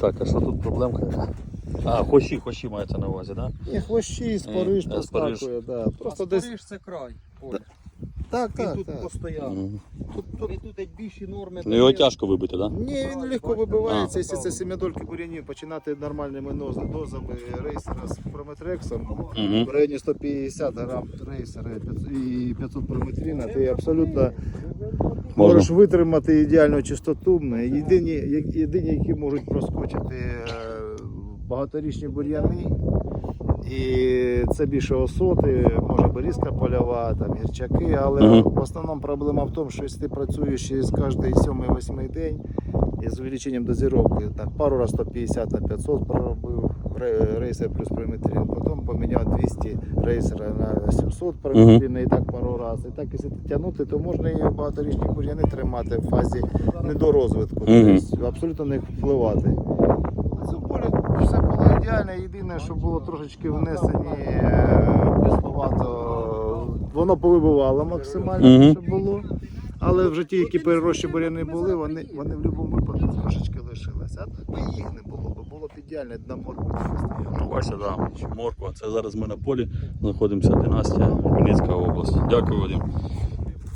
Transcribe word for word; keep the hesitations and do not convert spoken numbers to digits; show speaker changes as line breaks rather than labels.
Так, а що тут проблемка? А, хвощі, хвощі мається на увазі, так?
І хвощі, спориш,
Е, спориш.
поскакує, да. Просто десь.
Спориш це край. Оля.
Так,
Він
так,
тут
так.
постояв.
Мгм.
Тут, тут, тут як більші норми.
Ну його тяжко вибити, так?
Ні, він легко вибивається, якщо це семидольки бур'янів, починати нормальними ноз- дозами рейсера з прометрексом,
Угу.
в районі сто п'ятдесят грам рейсера і п'ятсот прометрина, ти абсолютно можеш витримати ідеальну чистоту. Єдині, як- єдині, які можуть проскочити е, багаторічні бур'яни, і це більше осоти, може берізка польова, там гірчаки, але
Мгм.
в основному проблема в тому, що якщо ти працюєш через кожний сьомий-восьмий день із увеличенням дозировки, так, пару раз сто п'ятдесят на п'ятсот проробив ре- рейсер плюс прометрин, потім поміняв двісті рейсера на сімсот прометрин і так пару разів. І так, якщо тягнути, то можна і багаторічні бур'яни тримати в фазі недорозвитку,
Мгм.
тобто абсолютно не впливати. Це поле все було ідеально, єдине, що було трошечки внесені е, післовато, воно повибивало максимально,
Мгм.
що було. Але вже ті, які перерощі буряни були, вони, вони в будь-якому випадку трошечки лишилися. А так би їх не було, бо було б ідеально на моркві.
Ну, бачите, да, морква. Це зараз ми на полі знаходимося, династія, Вінницька область. Дякую, Вадим.